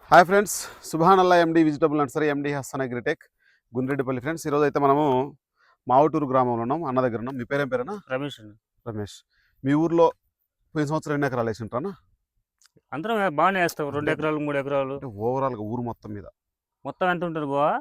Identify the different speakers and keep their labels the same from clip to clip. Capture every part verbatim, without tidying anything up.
Speaker 1: Hi friends, Subhanalla MD vegetable nursery MD Hasan agritech Gundreddipalli friends. ఈరోజు అయితే మనము మావుటూరు గ్రామంలో ఉన్నాం, అన్న దగ్గర ఉన్నాం. మీ పేరేం పేరేనా?
Speaker 2: రమేష్ అండి.
Speaker 1: రమేష్, మీ ఊర్లో పోయిన సంవత్సరం ఎన్ని ఎకరాలు వేసి ఉంటారా?
Speaker 2: అందరం బాగానే వేస్తాం, రెండు ఎకరాలు మూడు ఎకరాలు
Speaker 1: అంటే ఓవరాల్గా ఊరు మొత్తం మీద
Speaker 2: మొత్తం ఎంత ఉంటుంది బావా?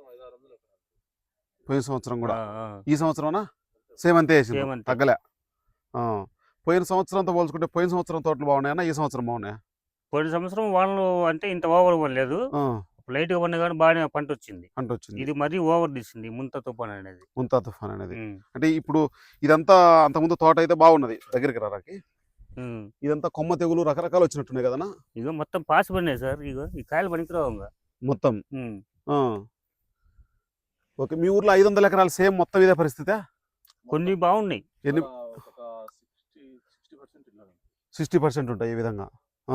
Speaker 1: పోయిన సంవత్సరం కూడా
Speaker 2: ఆ, ఆ.
Speaker 1: ఈ సంవత్సరం సేమ్ అంతే వేసి
Speaker 2: సేమ్ అంతే.
Speaker 1: తగ్గలే. ఆ, పోయిన సంవత్సరంతో పోల్చుకుంటే పోయిన సంవత్సరం తోటలు బాగున్నాయన్నా ఈ సంవత్సరం బాగున్నాయా?
Speaker 2: పోయిన సంవత్సరం వానలు అంటే ఇంత ఓవర్ పడలేదు,
Speaker 1: ఆ,
Speaker 2: లైట్గా పడినా కానీ బాగానే పంట వచ్చింది.
Speaker 1: పంట వచ్చింది.
Speaker 2: ఇది మరీ ఓవర్ తీసింది ముంత తుఫాన్ అనేది.
Speaker 1: ముంతా తుఫాన్ అనేది
Speaker 2: ఉమ్,
Speaker 1: అంటే ఇప్పుడు ఇదంతా అంతకుముందు తోట అయితే బాగున్నది దగ్గరికి రారాకి.
Speaker 2: ఉమ్.
Speaker 1: ఇదంతా కొమ్మ తెగులు రకరకాలు వచ్చినట్టున్నాయి కదన్నా?
Speaker 2: ఇగో మొత్తం పాసి పడినాయి సార్, ఇగో ఈ కాయలు పనికిరావు ఇంకా.
Speaker 1: మొత్తం
Speaker 2: ఉమ్.
Speaker 1: ఆ. ఓకే, మీ ఊర్లో ఐదు వందల ఎకరాలు సేమ్ మొత్తం ఇదే పరిస్థితి?
Speaker 2: కొన్ని బాగున్నాయి.
Speaker 1: ఎన్ని సిక్స్టీ పర్సెంట్ ఉంటాయి ఈ విధంగా. ఆ.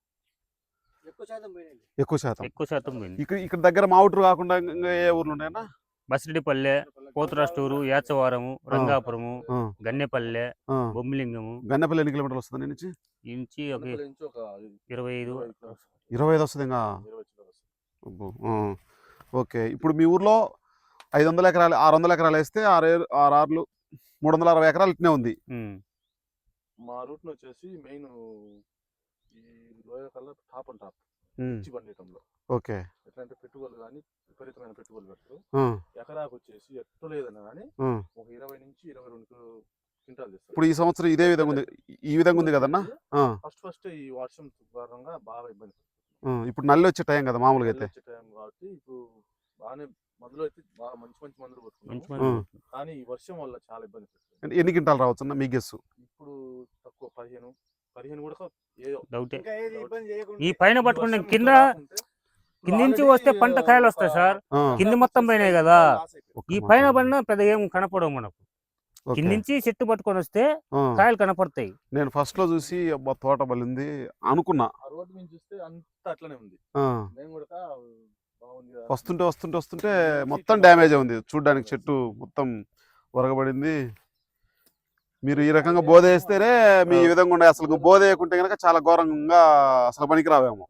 Speaker 1: ఎక్కువ శాతం
Speaker 2: ఎక్కువ శాతం పోయింది.
Speaker 1: ఇక్కడ ఇక్కడ దగ్గర మావుటూరు కాకుండా ఇంకా ఏ ఊర్లు ఉన్నాయన్నా?
Speaker 2: బసిరెడ్డిపల్లె, పోతురాస్టూరు, యాచవరము, రంగాపురము,
Speaker 1: ఆ,
Speaker 2: గన్నెపల్లె,
Speaker 1: ఆ.
Speaker 2: బొమ్మిలింగము.
Speaker 1: గన్నెపల్లి ఎన్ని కిలోమీటర్లు వస్తుంది దీని నుంచి?
Speaker 2: ఈ నుంచి ఒక ఇరవై ఐదు
Speaker 1: ఇరవై ఐదు వస్తుంది ఇంకా. అబ్బో, ఆ. ఓకే, ఇప్పుడు మీ ఊర్లో ఐదు వందల ఎకరాలు ఆరు వందల ఎకరాలు వేస్తే ఆరు ఏరు- ఆరు ఆరులు మూడు వందల అరవై ఎకరాలు ఇట్నే ఉంది.
Speaker 2: ఉమ్.
Speaker 3: మా రూట్ వచ్చేసి మెయిన్ ఈ లోయ కల్లా టాప్ అండ్ టాప్
Speaker 1: ఉమ్,
Speaker 3: మిర్చి పండియటంలో.
Speaker 1: ఓకే.
Speaker 3: ఎట్లంటే పెట్టుబడులు కానీ విపరీతమైన పెట్టుబడులు పెడతారు.
Speaker 1: ఆ,
Speaker 3: ఎకరాకు వచ్చేసి ఎట్టు లేదన్నా కానీ
Speaker 1: ఆ.
Speaker 3: ఒక ఇరవై నుంచి ఇరవై రెండు క్వింటాలు చేస్తారు.
Speaker 1: ఇప్పుడు ఈ సంవత్సరం ఇదే విధంగా ఉంది, ఈ విధంగా ఉంది కదన్నా? ఆ,
Speaker 3: ఫస్ట్ ఫస్ట్ ఈ వర్షం కారణంగా బాగా ఇబ్బంది పడుతుంది.
Speaker 1: ఆ. ఇప్పుడు నల్లి వచ్చే టైం కదా మామూలుగా అయితే.
Speaker 3: వచ్చే టైం కాబట్టి ఇప్పుడు బాగానే మందులు అయితే బాగా మంచి మంచి మందులు
Speaker 2: మంచి
Speaker 3: కొట్టుకున్నాం.
Speaker 2: మంది.
Speaker 3: కానీ ఈ వర్షం వల్ల చాలా ఇబ్బంది పడుతుంది.
Speaker 1: అంటే ఎన్ని క్వింటాలు రావచ్చు అన్న మీ గెస్సు?
Speaker 3: ఇప్పుడు తక్కువ పదిహేను పదిహేను కూడా ఏదో
Speaker 2: డౌటే.
Speaker 3: డౌట్.
Speaker 2: ఈ పైన పట్టుకుంటే కింద కింద నుంచి వస్తే పంట కాయలు వస్తాయి సార్.
Speaker 1: ఆ,
Speaker 2: కింద మొత్తం పోయినాయి కదా,
Speaker 1: ఒక్క
Speaker 2: ఈ
Speaker 1: మాట.
Speaker 2: పైన పడినా పెద్ద ఏం కనపడవు మనకు.
Speaker 1: ఓకే.
Speaker 2: కింద నుంచి చెట్టు పట్టుకొని వస్తే
Speaker 1: ఆ.
Speaker 2: కాయలు కనపడతాయి.
Speaker 1: నేను ఫస్ట్ లో చూసి అబ్బా తోట బలింది అనుకున్నా.
Speaker 3: ఆ రోడ్డు మీద చూస్తే అంతా అట్లనే ఉంది.
Speaker 1: ఆ,
Speaker 3: మేము కూడా బాగుంది కదా.
Speaker 1: వస్తుంటే వస్తుంటే వస్తుంటే మొత్తం డ్యామేజ్ ఉంది చూడ్డానికి, చెట్టు మొత్తం ఒరగబడింది. మీరు ఈ రకంగా బోధ వేస్తేనే మీ ఈ విధంగా ఉండే, అసలు బోధ వేయకుంటే కనుక చాలా ఘోరంగా అసలు పనికి రావేమో.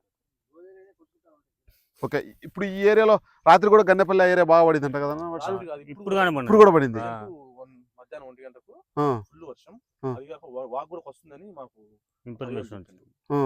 Speaker 1: ఓకే, ఇప్పుడు ఈ ఏరియాలో రాత్రి కూడా గన్నెపల్లి ఏరియా బాగా పడిందంట కదా?
Speaker 3: రాత్రి కాదు,
Speaker 2: ఇప్పుడు కానీ మొన్న.
Speaker 1: ఇప్పుడు కూడా పడింది.
Speaker 2: ఆ.
Speaker 3: వన్- మధ్యాహ్నం ఒంటి గంటకు
Speaker 1: ఆ,
Speaker 3: ఫుల్ వర్షం.
Speaker 1: ఆ.
Speaker 3: అది కాక వా- వాగు కూడా వస్తుందని మాకు
Speaker 2: ఇన్ఫర్మేషన్ ఉంటుంది.
Speaker 1: ఆ.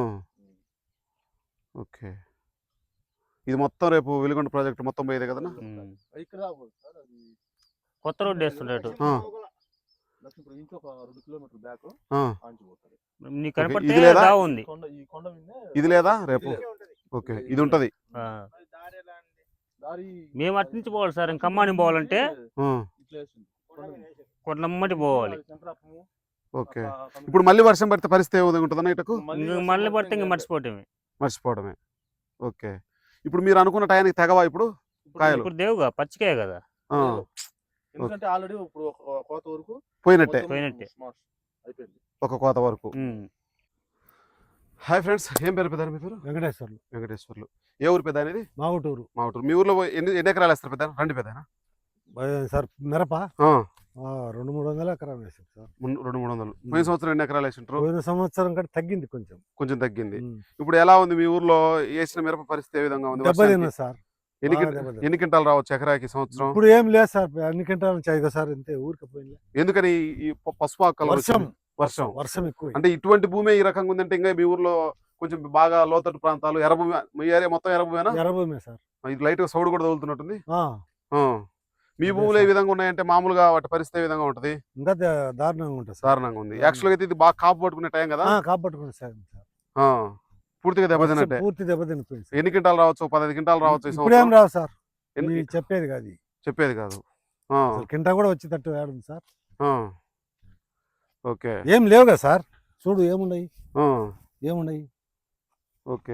Speaker 1: ఓకే, ఇది మొత్తం రేపు వెలుగొండ ప్రాజెక్ట్ మొత్తం పోయేదే కదన్నా?
Speaker 2: ఉమ్.
Speaker 3: ఇక్కడ రాకూడదు సార్, అది
Speaker 2: కొత్త రోడ్డు వేస్తుండేటు.
Speaker 1: ఆ.
Speaker 3: లక్ష్మీపురం నుంచి ఒక రెండు కిలోమీటర్ బ్యాక్
Speaker 1: ఆ.
Speaker 3: ఆంచిపోతుంది.
Speaker 2: నీకు కనపడితే
Speaker 1: ఇది లేదా?
Speaker 2: దావ ఉంది.
Speaker 3: కొండ ఈ కొండ మీదనే
Speaker 1: ఇది లేదా రేపు?
Speaker 3: ఇది లేదు.
Speaker 1: ఓకే, ఇది ఉంటది.
Speaker 2: ఆ.
Speaker 3: దారి
Speaker 2: మేము అటు నుంచి పోవాలి సార్, ఇంకా ఖమ్మానికి పోవాలంటే
Speaker 1: ఆ,
Speaker 3: ఇట్లా వేసింది. కొండ మీద.
Speaker 2: కొండమ్మటి పోవాలి.
Speaker 3: అది చంద్రాపము,
Speaker 1: ఓకే.
Speaker 3: ఆ కం-
Speaker 1: ఇప్పుడు మళ్ళీ వర్షం పడితే పరిస్థితి ఏ విధంగా ఉంటుందన్న ఇటకు?
Speaker 2: ఇంక
Speaker 3: వర్షం
Speaker 2: మళ్ళీ పడితే ఇంకా
Speaker 3: ఇంకా
Speaker 2: మర్చిపోవటమే.
Speaker 1: మర్చిపోవడమే. ఓకే, ఇప్పుడు మీరు అనుకున్న టయానికి తెగవా ఇప్పుడు
Speaker 3: ఇప్పుడు
Speaker 1: కాయలు?
Speaker 2: ఇప్పుడు దేవుగా పచ్చికాయ కదా.
Speaker 1: ఆ,
Speaker 3: ఎందుకంటే ఆల్రెడీ ఇప్పుడు ఒక కోత వరకు
Speaker 1: పోయినట్టే
Speaker 3: మొత్తం
Speaker 2: పోయినట్టే.
Speaker 3: స్మాష్ అయిపోయింది.
Speaker 1: ఒక కోత వరకు.
Speaker 2: ఉమ్.
Speaker 1: హాయ్ ఫ్రెండ్స్, ఏం పేరు పెద్ద మీ పేరు?
Speaker 4: వెంకటేశ్వర్లు,
Speaker 1: వెంకటేశ్వర్లు. ఏ ఊరు పెద్ద అనేది?
Speaker 4: మాగుటూరు.
Speaker 1: మా ఊరు. మీ ఊర్లో ఎన్ని ఎన్ని ఎకరాలు వేస్తారు పెద్ద? రండి పెద్ద.
Speaker 4: బ- సార్ మిరప ఆ, రెండు మూడు వందల ఎకరం వేసాం సార్.
Speaker 1: రెండు మూడు వందలు. పోయిన సంవత్సరం ఎన్ని ఎకరాలు వేసింటారు?
Speaker 4: పోయిన సంవత్సరం కంటే తగ్గింది కొంచెం.
Speaker 1: కొంచెం తగ్గింది.
Speaker 4: ఉమ్.
Speaker 1: ఇప్పుడు ఎలా ఉంది మీ ఊర్లో వేసిన మిరప పరిస్థితి ఏ విధంగా ఉంది?
Speaker 4: దెబ్బతిన్నా
Speaker 1: వర్షానికి
Speaker 4: సార్,
Speaker 1: ఎన్ని
Speaker 4: బాగా
Speaker 1: కింట-
Speaker 4: దెబ్బతిన్నా.
Speaker 1: ఎన్ని క్వింటాలు రావచ్చు ఎకరాకి ఈ సంవత్సరం?
Speaker 4: ఇప్పుడు ఏం లేదు సార్, అన్ని గంటలు చాయిగా సార్, అంతే ఊరికి పోయింది.
Speaker 1: ఎందుకని ఈ ప- పసుపు ఆకు
Speaker 4: వర్షం
Speaker 1: వర్షం
Speaker 4: వర్షం ఎక్కువ.
Speaker 1: అంటే ఇటువంటి భూమి ఈ రకంగా ఉందంటే ఇంకా మీ ఊర్లో కొంచెం బాగా లోతట్టు ప్రాంతాలు ఎర్రభూమి, మీ ఏరియా మొత్తం ఎర్రభూమేనా?
Speaker 4: ఎర్రభూమే సార్.
Speaker 1: ఇది లైట్ గా సౌడు కూడా తగులుతున్నట్టుంది.
Speaker 4: ఆ,
Speaker 1: ఆ. మీ
Speaker 4: అదే
Speaker 1: భూములు ఏ
Speaker 4: సార్.
Speaker 1: విధంగా ఉన్నాయంటే మామూలుగా వాటి పరిస్థితి ఏ విధంగా ఉంటది?
Speaker 4: ఇంకా దా- దారుణంగా ఉంటుంది సార్.
Speaker 1: దారుణంగా ఉంది. యాక్చువల్గా అయితే ఇది బాగా కాపు పట్టుకునే టైం కదా?
Speaker 4: ఆ, కాపాడుకుని సార్ సార్.
Speaker 1: ఆ. పూర్తిగా
Speaker 4: వర్షం
Speaker 1: దెబ్బతిన్నట్టే.
Speaker 4: పూర్తి దెబ్బతినిపోయింది సార్.
Speaker 1: ఎన్ని క్వింటాలు రావచ్చు? పదహైదు క్వింటాలు రావచ్చు ఈ
Speaker 4: ఇప్పుడు ఏం
Speaker 1: సంవత్సరం?
Speaker 4: రావు సార్,
Speaker 1: ఎన్ని-
Speaker 4: ఇవి చెప్పేది కాదు ఇవి.
Speaker 1: చెప్పేది కాదు. ఆ.
Speaker 4: అసలు కింట కూడా వచ్చేటట్టు ఏడుంది సార్.
Speaker 1: ఆ. ఓకే.
Speaker 4: ఏం లేవు కదా సార్, చూడు ఏమున్నాయి
Speaker 1: ఆ.
Speaker 4: ఏమున్నాయి.
Speaker 1: ఓకే,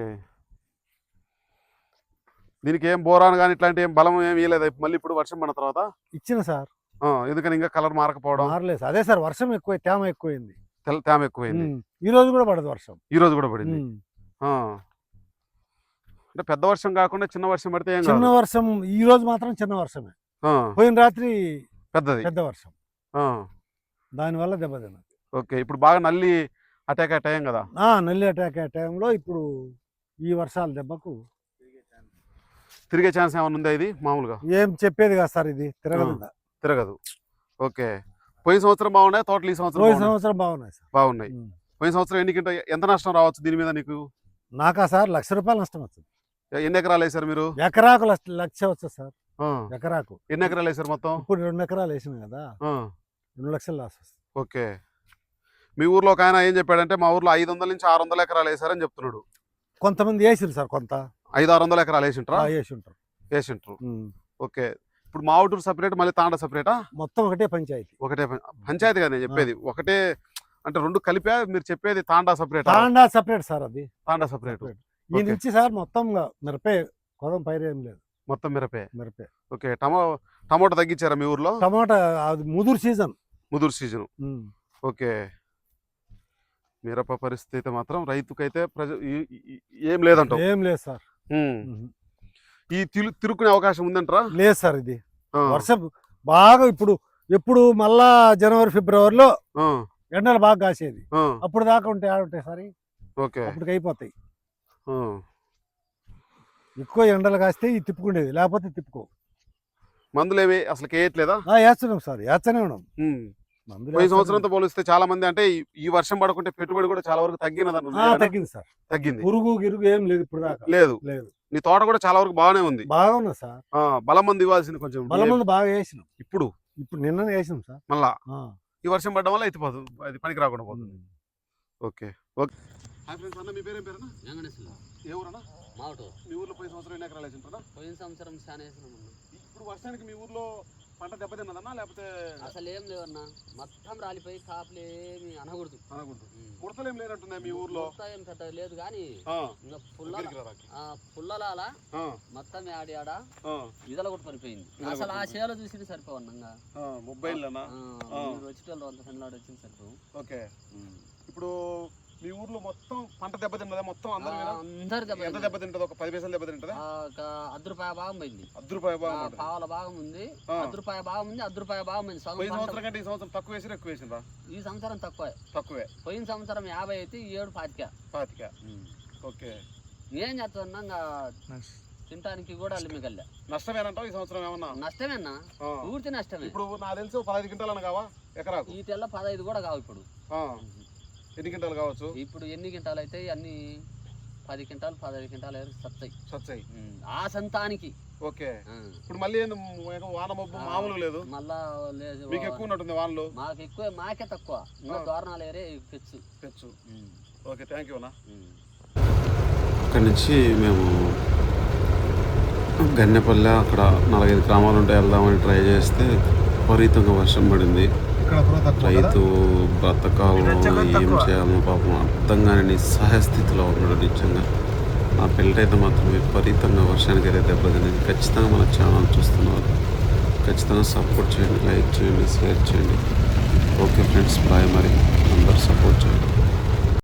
Speaker 1: దీనికి ఏం బోరాన్ కానీ ఇట్లాంటి ఏం బలం ఏం ఇవ్వలేదు మళ్ళీ ఇప్పుడు వర్షం పడిన తర్వాత?
Speaker 4: ఇచ్చిన సార్,
Speaker 1: ఆ, ఎందుకని ఇంకా కలర్ మారకపోవడం?
Speaker 4: మారలేదు సార్. అదే సార్, వర్షం ఎక్కువ, తేమ ఎక్కువైంది.
Speaker 1: తెల్ల తేమ ఎక్కువైంది.
Speaker 4: ఉమ్. ఈ రోజు కూడా పడదు వర్షం.
Speaker 1: ఈ రోజు కూడా పడింది.
Speaker 4: ఉమ్.
Speaker 1: ఆ. అంటే పెద్ద వర్షం కాకుండా చిన్న వర్షం పడితే ఏం
Speaker 4: చిన్న
Speaker 1: కాదు.
Speaker 4: వర్షం ఈ రోజు మాత్రం చిన్న వర్షమే.
Speaker 1: ఆ,
Speaker 4: పోయిన రాత్రి
Speaker 1: పెద్దది.
Speaker 4: పెద్ద వర్షం,
Speaker 1: ఆ.
Speaker 4: దానివల్ల దెబ్బతిన్నది.
Speaker 1: ఓకే, ఇప్పుడు బాగా నల్లి అటాక్ అయ్యే టైం కదా?
Speaker 4: ఆ, నల్లి అటాక్ అయ్యే టైంలో ఇప్పుడు ఈ వర్షాల దెబ్బకు
Speaker 1: తిరిగే ఛాన్స్ ఏమైనా ఉందా ఇది మామూలుగా?
Speaker 4: ఏం చెప్పేది కాదు సార్, ఇది తిరగదు ఇంకా.
Speaker 1: తిరగదు. ఓకే. పోయిన సంవత్సరం బాగున్నాయి తోటలు, ఈ సంవత్సరం
Speaker 4: పోయిన
Speaker 1: బాగున్నాయా?
Speaker 4: సంవత్సరం బాగున్నాయి సార్.
Speaker 1: బాగున్నాయి.
Speaker 4: ఉమ్.
Speaker 1: పోయిన సంవత్సరం ఎన్ని కింట ఎంత నష్టం రావచ్చు దీని మీద నీకు?
Speaker 4: నాకా సార్ లక్ష రూపాయలు నష్టం వచ్చింది.
Speaker 1: ఎన్ని ఎకరాలు వేసారు మీరు?
Speaker 4: ఎకరాకు లక్ష లక్ష వస్తుంది సార్.
Speaker 1: ఆ.
Speaker 4: ఎకరాకు
Speaker 1: ఎన్ని ఎకరాలు వేసారు మొత్తం?
Speaker 4: ఇప్పుడు రెండు ఎకరాలు వేసినాం కదా,
Speaker 1: ఆ.
Speaker 4: రెండు లక్షలు లాస్ వస్తుంది.
Speaker 1: ఓకే. మీ ఊర్లో ఒక ఆయన ఏం చెప్పాడంటే మా ఊర్లో ఐదు వందల నుంచి ఆరు వందల ఎకరాలు వేసారని చెప్తున్నాడు.
Speaker 4: కొంతమంది వేసిరు సార్, కొంత
Speaker 1: ఐదు ఆరు వందల ఎకరాలు వేసింటారా?
Speaker 4: ఆ, వేసి ఉంటారు.
Speaker 1: వేసింటారు.
Speaker 4: ఉమ్.
Speaker 1: ఓకే. ఇప్పుడు మావుటూరు సపరేట్, మళ్ళీ తాండ సపరేటా?
Speaker 4: మొత్తం ఒకటే పంచాయతీ.
Speaker 1: ఒకటే పం- పంచాయతీ కదా నేను చెప్పేది. ఒకటే అంటే రెండు కలిపా మీరు చెప్పేది? తాండా సపరేట్,
Speaker 4: తాండా సపరేట్ సార్, అది
Speaker 1: తాండా సపరేట్.
Speaker 4: separate. ఈ
Speaker 1: ఓకే.
Speaker 4: నుంచి సార్ మొత్తం మిరపే, కొదం పైరు ఏం లేదు,
Speaker 1: మొత్తం మిరపే.
Speaker 4: మిరపే.
Speaker 1: ఓకే. టమో టమోటా తగ్గించారా మీ ఊర్లో?
Speaker 4: టమాటా అది ముదురు సీజన్.
Speaker 1: ముదురు సీజన్. ఓకే. మిరప పరిస్థితి మాత్రం రైతుకైతే ప్రజ ఈ- ఈ- ఏం లేదంటావు.
Speaker 4: ఏం లేదు సార్.
Speaker 1: ఉమ్.
Speaker 4: ఉమ్.
Speaker 1: ఈ తిరు తిరుక్కునే అవకాశం ఉందంటారా?
Speaker 4: లేదు సార్, ఇది
Speaker 1: ఆ,
Speaker 4: వర్షం బాగా ఇప్పుడు ఎప్పుడు మళ్ళా జనవరి ఫిబ్రవరిలో
Speaker 1: ఆ,
Speaker 4: ఎండలు బాగా కాసేది,
Speaker 1: ఆ.
Speaker 4: అప్పుడు దాకా ఉంటాయి ఆడుంటాయి సార్,
Speaker 1: ఓకే.
Speaker 4: అప్పటికి అయిపోతాయి.
Speaker 1: ఆ.
Speaker 4: ఎక్కువ ఎండలు కాస్తే ఇది తిప్పుకుండేది, లేకపోతే తిప్పుకో.
Speaker 1: మందులు ఏవి అసలు వేయట్లేదా?
Speaker 4: ఆ, వేస్తున్నాం సార్, వేస్తూనే ఉన్నాం.
Speaker 1: ఉమ్.
Speaker 4: మందులు
Speaker 1: పోయిన
Speaker 4: వేస్తూనే
Speaker 1: సంవత్సరంతో పోలిస్తే చాలా మంది అంటే ఈ- ఈ వర్షం పడకుంటే పెట్టుబడి కూడా చాలా వరకు తగ్గినది
Speaker 4: ఉన్నాం. ఆ, తగ్గింది సార్.
Speaker 1: తగ్గింది.
Speaker 4: పురుగు గిరుగు ఏం లేదు ఇప్పుడు దాకా,
Speaker 1: లేదు.
Speaker 4: లేదు.
Speaker 1: నీ తోట కూడా చాలా వరకు బాగానే ఉంది.
Speaker 4: బాగా ఉన్నది సార్.
Speaker 1: ఆ, బలం మంది ఇవ్వాల్సింది కొంచెం.
Speaker 4: బలం మంది బాగా వేసినాం.
Speaker 1: ఇప్పుడు
Speaker 4: ఇప్పుడు నిన్ననే వేసినాం సార్.
Speaker 1: మళ్ళా
Speaker 4: ఆ.
Speaker 1: ఈ వర్షం పడడం వల్ల ఎత్తిపోదు, అది పనికి రాకుండా పోతుంది. ఓకే. ఓకే. హాయ్ ఫ్రెండ్స్, అన్న మీ పేరేం పేరన్నా?
Speaker 5: వెంకటేశ్వర
Speaker 1: ఏ ఊరన్నా?
Speaker 5: మావటూరు.
Speaker 1: మీ ఊర్లో పోయిన సంవత్సరం ఎన్ని ఎకరాలు వేసింటారా?
Speaker 5: పోయిన సంవత్సరం చాలా వేసినామన్నా.
Speaker 1: ఇప్పుడు వర్షానికి మీ ఊర్లో పంట దెబ్బతిన్నదన్నా లేకపోతే
Speaker 5: అసలు ఏం లేవన్నా, మొత్తం రాలిపోయి కాపులు ఏమి అనకూడదు.
Speaker 1: అనకూడదు. ముడతలు ఏం లేనట్టున్నాయి మీ ఊర్లో?
Speaker 5: మొత్తం ఏం పెద్ద లేదు కానీ
Speaker 1: ఆ,
Speaker 5: ఇంకా పుల్ల
Speaker 1: దగ్గరికి రా రాకి.
Speaker 5: పుల్లలాల
Speaker 1: ఆ,
Speaker 5: మొత్తం ఆడి ఆడ
Speaker 1: ఆ,
Speaker 5: ఇదల కూడా పడిపోయింది.
Speaker 1: ఇదల
Speaker 5: అసలు ఆ
Speaker 1: కొట్టుకుపోయింది.
Speaker 5: చేలో చూసి సరిపోవన్నా.
Speaker 1: ఆ, మొబైల్లోనా? ఆ.
Speaker 5: వచ్చేటోళ్ళు అంత పెళ్ళాడు వచ్చింది సరిపో.
Speaker 1: ఓకే. ఇప్పుడు మీ ఊర్లో మొత్తం పంట దెబ్బతిన్నదా మొత్తం అందరూ?
Speaker 5: అందరు
Speaker 1: ఎంత దెబ్బతింటది? ఒక పది పైసలు దెబ్బతింటదా?
Speaker 5: అర్ధ రూపాయ భాగం పోయింది,
Speaker 1: అర్ధ రూపాయ బాగా
Speaker 5: పావుల భాగం ఉంది,
Speaker 1: ఆ.
Speaker 5: అర్ధ రూపాయ భాగం ఉంది, అర్ధ రూపాయ భాగం ఉంది. సగం
Speaker 1: పోయిన
Speaker 5: పంట
Speaker 1: సంవత్సరం కంటే ఈ సంవత్సరం తక్కువ వేసిరా ఎక్కువ వేసిందా?
Speaker 5: ఈ సంవత్సరం తక్కువ.
Speaker 1: తక్కువే.
Speaker 5: పోయిన సంవత్సరం యాభై అయితే ఈ ఏడు పాతిక.
Speaker 1: పాతిక. ఓకే.
Speaker 5: ఏం చేస్తున్నా ఇంకా తినడానికి కూడా మిగల్లా.
Speaker 1: నష్టమేనంటావు ఈ సంవత్సరం ఏమన్నా?
Speaker 5: నష్టమేనా,
Speaker 1: ఆ.
Speaker 5: పూర్తి నష్టమే.
Speaker 1: ఇప్పుడు నాకు తెలిసి పదహైదు క్వింటాలు కావా ఎకరాకు?
Speaker 5: ఈ తెల్ల పదహైదు కూడా కావు ఇప్పుడు.
Speaker 1: ఆ. ఎన్ని క్వింటాలు కావచ్చు?
Speaker 5: ఇప్పుడు ఎన్ని క్వింటాలు అయితే అన్ని పది క్వింటాలు పదహైదు క్వింటాలు సత్తాయి
Speaker 1: సచ్చాయి.
Speaker 5: ఆ సంతానికి.
Speaker 1: ఓకే.
Speaker 5: ఆ.
Speaker 1: ఇప్పుడు మళ్ళీ ఏంది వాన మబ్బు మామూలు లేదు?
Speaker 5: మళ్ళా లేదు,
Speaker 1: మీకు ఎక్కువ ఉన్నట్టుంది వానలు?
Speaker 5: మాకు ఎక్కువ, మాకే తక్కువ. ఇంకా తోరణాలు ఏరే తెచ్చు
Speaker 1: తెచ్చు. ఓకే, థ్యాంక్ యూ అన్న.
Speaker 6: అక్కడి నుంచి మేము గన్నెపల్లె అక్కడ నాలుగైదు గ్రామాలు ఉంటాయి వెళ్దామని ట్రై చేస్తే విపరీతంగా వర్షం పడింది. రైతు బ్రతకాలో ఏం చేయాలో పాపం అర్థం కాని నిస్సహాయ స్థితిలో ఉన్నాడు నిజంగా. ఆ పిల్లటైతే మాత్రం విపరీతంగా వర్షానికి అయితే దెబ్బతింది. ఖచ్చితంగా మన ఛానల్ చూస్తున్నారు, ఖచ్చితంగా సపోర్ట్ చేయండి, లైక్ చేయండి, షేర్ చేయండి. Okay friends, bye. మరి అందరూ సపోర్ట్ చేయండి.